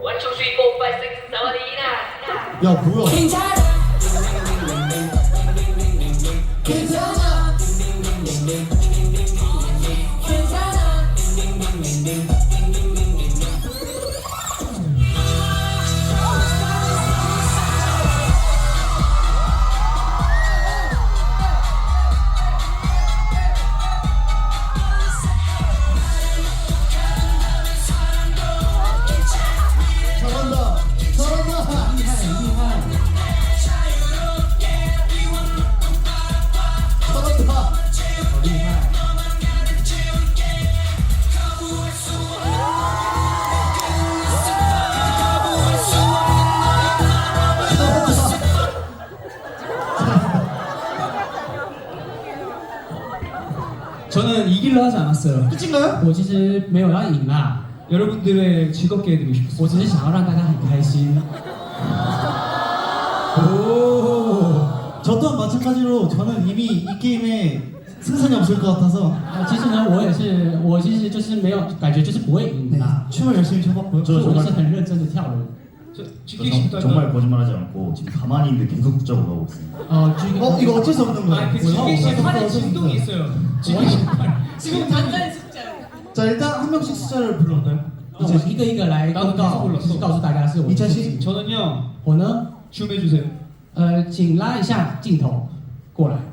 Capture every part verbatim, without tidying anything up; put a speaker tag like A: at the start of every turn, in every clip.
A: One, two, three, four, five, six, seven, eight, nine.
B: 야 뭐야?
A: 괜찮아.
B: 괜찮아. 잘한다. 잘한다. 厉害厉害。 잘한다. 好厉害。
C: 저는 이길로 하지 않았어요.
B: 끝인가요?
D: 我其实没有要赢啦，
C: 여러분들을 즐겁게 해드리고 싶었어요.
D: 我只是想要让大家很开心。
B: 오. 저 또한 마찬가지로 저는 이미 이 게임에 승산이 없을 것 같아서
D: 啊，其实呢，我也是，我其实就是没有感觉，就是不会赢
B: 네,
D: 啦。
B: 춤을 열심히 춰봤고요.
D: 所以我是很认真的跳舞。
C: 저,
E: 저
C: 지키시부터
E: 정, 정말 거짓말하지 않고 지금 가만히 있는데 계속 붙잡고 가고 있습니다.
D: 哦，这个
B: 어 이거 어쩔 수 없는 거예요.
C: 아, 그 지키 씨 팔에 진동이 있어요. 지키 씨 팔.
A: 지금 단단 숫자.
B: 자 일단 한 명씩 숫자를 불러볼까요?
D: 我一个一个来公告，就是告诉大家是我。
B: 이찬 씨.
C: 저는요.
D: 我呢，
C: 줌해 주세요.
D: 呃，请拉一下镜头过来。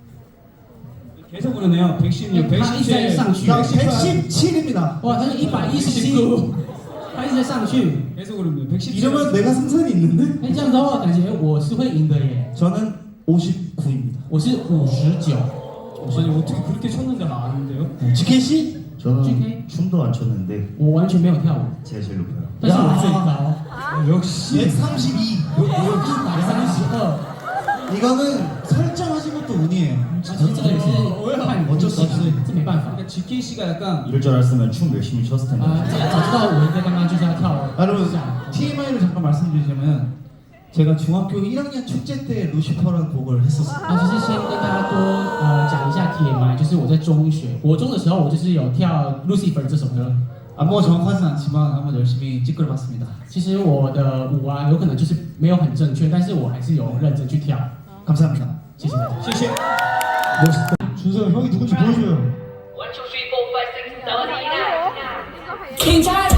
C: 계속 그러네요. 백십육,
D: 他一直在
C: 백십칠.
D: 上去。
B: 자 백십칠입니다.
D: 哇，他是一百一十七，他一直在上去。
C: 계속 그럽니다. 백십칠.
B: 이러면 내가 승산이 있는데?
D: 哎，这样的话，感觉我是会赢的耶。
B: 저는 오십구입니다.
D: 我是五十九。
C: 아니 어떻게 그렇게 쳤는데 나왔는데요?
B: 지케 씨?
E: 저는
D: 지키?
E: 춤도 안 췄는데
D: 我完全没有跳舞，
E: 제가 제일 높아요.
D: 但是我最高，
C: 아, 역시.
B: 백삼십이.
D: 一百三十二。
B: 이거는 설정하신 것도 운이에요.
D: 啊，其实这个也是看你
B: 어쩔 수 없어요.
D: 这没办法。
C: 그러니까 지키 씨가 약간
E: 이럴 줄 알았으면 춤 열심히 췄을 텐데.
D: 啊，这早知道我应该刚刚就是要跳
B: 아, 여러분
D: 下。
B: 티엠아이를 잠깐 말씀드리자면 제가 중학교 일 학년 축제 때 루시퍼라는 곡을 했었어요.
D: 啊，就是先跟大家多呃讲一下 T M I，就是我在中学国中的时候，我就是有跳 Lucifer 这首歌。
B: 안무가 정확하진 않지만 한번 열심히 찌끄려봤습니다.
D: 其实我的舞啊，有可能就是没有很正确，但是我还是有认真去跳。
B: 감사합니다.
D: 谢谢大家。
C: 시시.
B: 멋있다. 준서 형이 누군지 보여줘요.
A: One, two, three, four, five, six, seven, eight, nine.
F: 괜찮아.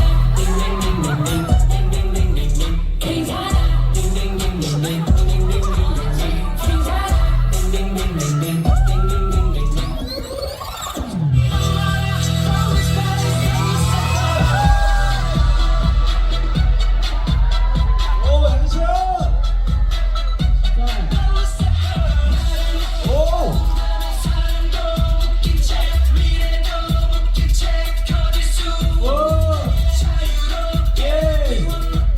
F: 괜찮아.
C: 오, 양시현. 오. 오. 예.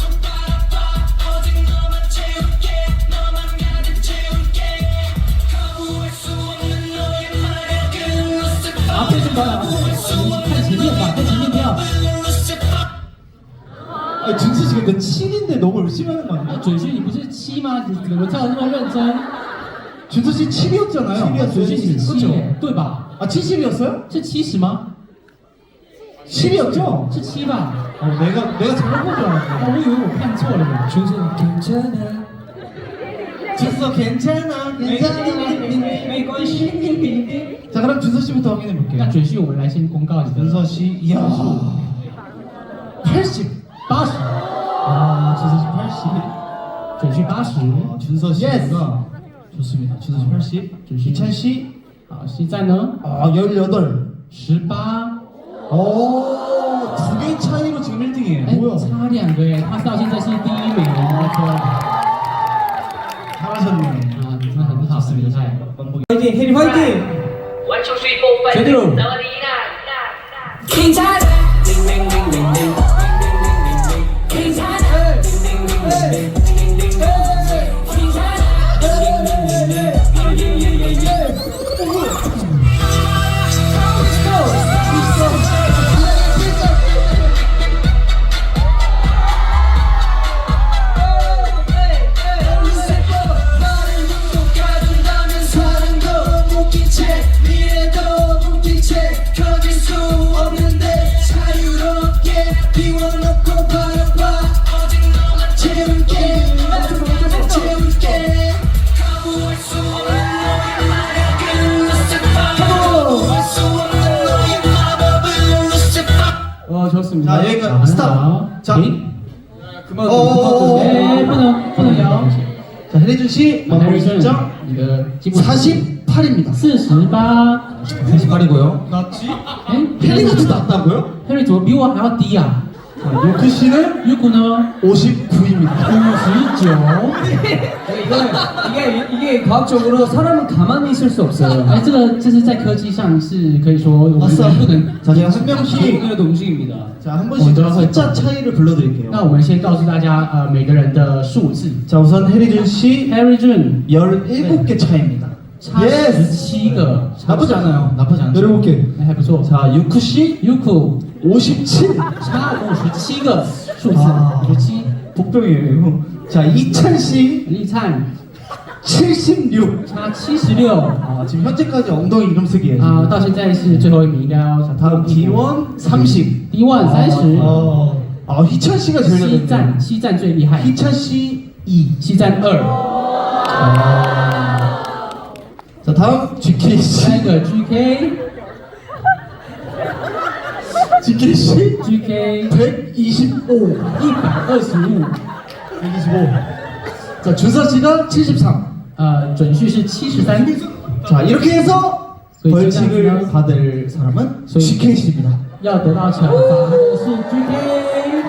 D: 앞에 좀 봐요. 看前面吧，看前面跳。
B: 아, 준서 씨 근데 칠인데 너무 열심히 하는 거
D: 啊，
B: 아니야?
D: 准勋，你不是七吗？你怎么跳的那么认真？
B: 준서 씨 칠이었잖아요.
D: 准勋你是七
B: 그렇죠?
D: 耶，对吧？
B: 아 칠십이었어요?
D: 是七十吗？
B: 칠이었죠?
D: 是七吧？
B: 어, 내가 내가 잘못 본 줄
D: 哦，
B: 알았어.
D: 我以为我看错了呢。
C: 준서 괜찮아.
B: 준서 괜찮아, 괜찮아.
C: 没关系.
B: 자 그럼 준서 씨부터 확인해
D: 那
B: 볼게요.
D: 准勋，我们来先公告你的
B: 준서 씨, 이야, 팔십,
D: 八十，
B: 아, 준서 씨 팔십.
D: 准勋八十。
B: 아, 준서 씨가 좋습니다. 준서 씨 팔십, 이찬 씨,
D: 好，现在呢？
B: 아, 열여덟.
D: 十八。
B: 오, 두 개 차이로 지금 일 등이에요.
D: 哎，差两个耶，他到现在是第一名，OK。
B: 잘하셨네.
D: 啊，你真的很好，很厉害。
C: 화이팅, 해리 화이팅.
A: One, two, three, four, five, six,
C: 제대로.
A: seven, eight, nine.
F: 괜찮아. 괜찮아.
B: 자, 여기가
D: 好很
B: 스탑.
D: 好
B: 자,
D: 停
C: 그만.
B: 어,
D: 哎不能不能摇
B: 자, 혜리준 씨 마무리 실점
D: 你的进步
B: 사십팔입니다.
D: 四十八
B: 사십팔이고요.
C: 낫지?
D: 哎
B: 혜리가 더 낫다고요?
D: Harry 怎么比我还要低啊
B: 유크 씨는
D: ？Yuku 呢？
B: 오십구입니다.
D: 五十九。
G: 이거는 이게 이게 과학적으로 사람은 가만히 있을 수 없어요.
D: 哎，这个这是在科技上是可以说我们
B: 아싸.
D: 不能。
B: 자, 제가 한 명씩
G: 오늘도 움직입니다.
B: 자, 한 번씩 숫자 차이를 불러드릴게요.
D: 那我们先告诉大家呃每个人的数字。
B: 자, 우선 혜리준 씨
D: Harry Jun
B: 열일곱 개 차이입니다.
D: 差十七个，
B: 나쁘지 않아요.
D: 나쁘지 않죠.
B: 열일곱 개.
D: 哎还不错。
B: 자, 유크 씨
D: Yuku
B: 오십칠.
D: 差五十七个数字，
B: 아
D: 五十七。
B: 복병이에요. 자, 이찬 씨
D: 李灿
B: 칠십육.
D: 差七十六。
B: 아, 지금 현재까지 엉덩이 이름 쓰기예요.
D: 啊，到现在是最后一名，应该要
B: 자, 다음 디원 삼십.
D: D one 三十。
B: 어, 아, 희찬 씨가 제일
D: 西
B: 잘했네요.
D: 站西站最厉害，
B: 희찬 씨 이.
D: 西站二。
B: 자, 다음 GK
D: 下一
B: 씨.
D: 个 G K
B: GK 씨
D: G K
B: 백이십오.
D: 一百二十五。
B: 백이십오. 자, 준서 씨가 칠십삼.
D: 呃，准序是七十三。
B: 자, 이렇게 해서
D: 저희
B: 벌칙을
D: 팀장님은-
B: 받을 사람은
D: 저희-
B: GK 씨입니다.
D: 要得到惩罚的是 G K。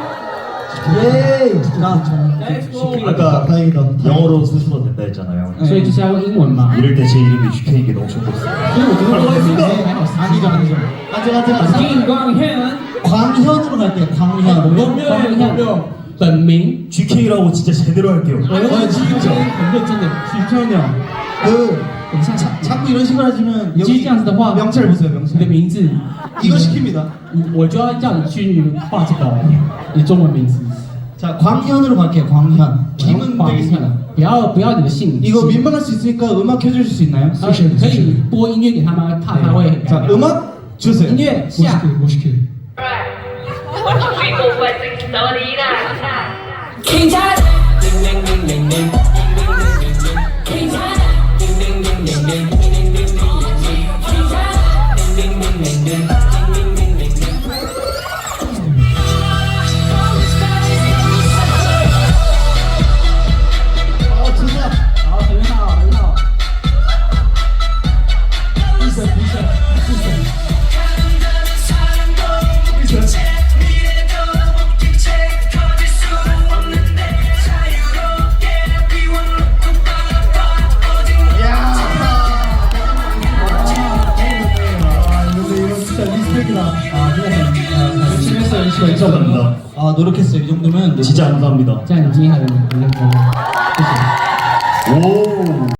B: 예. 자,
E: 아까
B: 다행이다.
E: 영어로 수식어도 된다 했잖아요.
D: 所以就是要用英文嘛。
E: 이럴 때 제 이름이 지케인 게 너무 좋았어요.
D: 所以我觉得我的名字还好。
B: 아니죠, 아니죠. 아직, 아직, 아직.
G: 김광현
B: 광현으로 갈게요, 광현.
D: 광현本名
E: 지케이라고 진짜 제대로 할게요.
B: 어, 진짜.
D: 很认真的。
B: 徐형 그, 자, 자꾸 이런 식으로 하시면
D: 你继续这样子的话，
B: 명찰 보세요,
D: 你的
B: 명찰.
D: 名字，
B: 이거 시킵니다.
D: 你我就要叫你去画这个你中文名字。
B: 자, 광현으로 갈게요, 광현. 김은
D: 黄
B: 되겠습니다.
D: 不要不要你的姓。
B: 이거 민망할 수 있으니까 음악 켜주실 수 있나요?
D: 呃可以播音乐给他们，怕他会很
B: 자,
D: 尴尬。
B: 음악 주세요.
D: 音乐下。
C: 멋있게.
A: Right. One, two, three, four, five, six, seven, eight, nine.
F: 괜찮아 딩딩딩딩딩 괜찮아 딩딩딩딩딩 괜찮아 딩딩딩딩딩
B: 어, 진짜.
D: 好，很好，很好。
B: 비슷해, 비슷해, 비슷해.
D: 아，真的很呃很
B: 열심히 했어요, 열심히 했죠.
E: 감사합니다.
B: 아, 노력했어요. 이 정도면.
E: 진짜 감사합니다.
D: 这样已经很很认真了，谢谢。
E: 오.